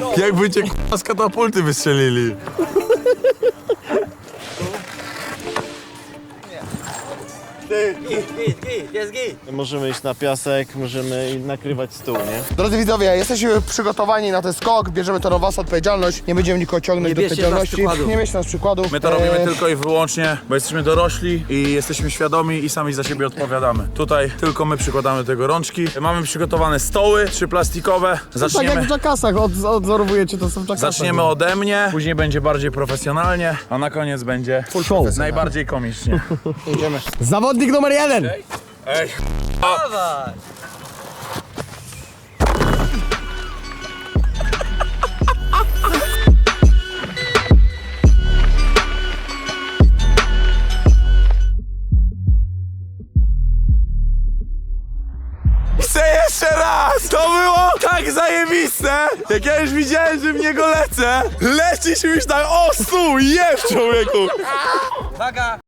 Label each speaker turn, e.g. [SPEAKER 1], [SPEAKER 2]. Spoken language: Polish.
[SPEAKER 1] Jakby cię k***a z katapulty wystrzelili.
[SPEAKER 2] Jest git.
[SPEAKER 3] Możemy iść na piasek, możemy nakrywać stół, nie?
[SPEAKER 4] Drodzy widzowie, jesteśmy przygotowani na ten skok, bierzemy to na was odpowiedzialność, nie będziemy nikogo ciągnąć do
[SPEAKER 2] bierzcie
[SPEAKER 4] odpowiedzialności.
[SPEAKER 2] nas przykładu.
[SPEAKER 4] Nie bierzcie nas przykładu.
[SPEAKER 1] My to robimy tylko i wyłącznie, bo jesteśmy dorośli i jesteśmy świadomi i sami za siebie odpowiadamy. Tutaj tylko my przykładamy do tego rączki. Mamy przygotowane stoły, 3 plastikowe.
[SPEAKER 5] Tak jak w Jackasach, odzorowujecie to są w Jackasach.
[SPEAKER 1] Zaczniemy ode mnie, później będzie bardziej profesjonalnie, a na koniec będzie
[SPEAKER 5] show.
[SPEAKER 1] najbardziej komicznie.
[SPEAKER 4] Idziemy.
[SPEAKER 5] Zawodnik numer 1.
[SPEAKER 1] Ej,
[SPEAKER 2] Dawaj.
[SPEAKER 1] chcę jeszcze raz! To było tak zajebiste! Jak ja już widziałem, że w niego lecę, lecisz już tak, o stół, jeb człowieku!
[SPEAKER 2] Uwaga.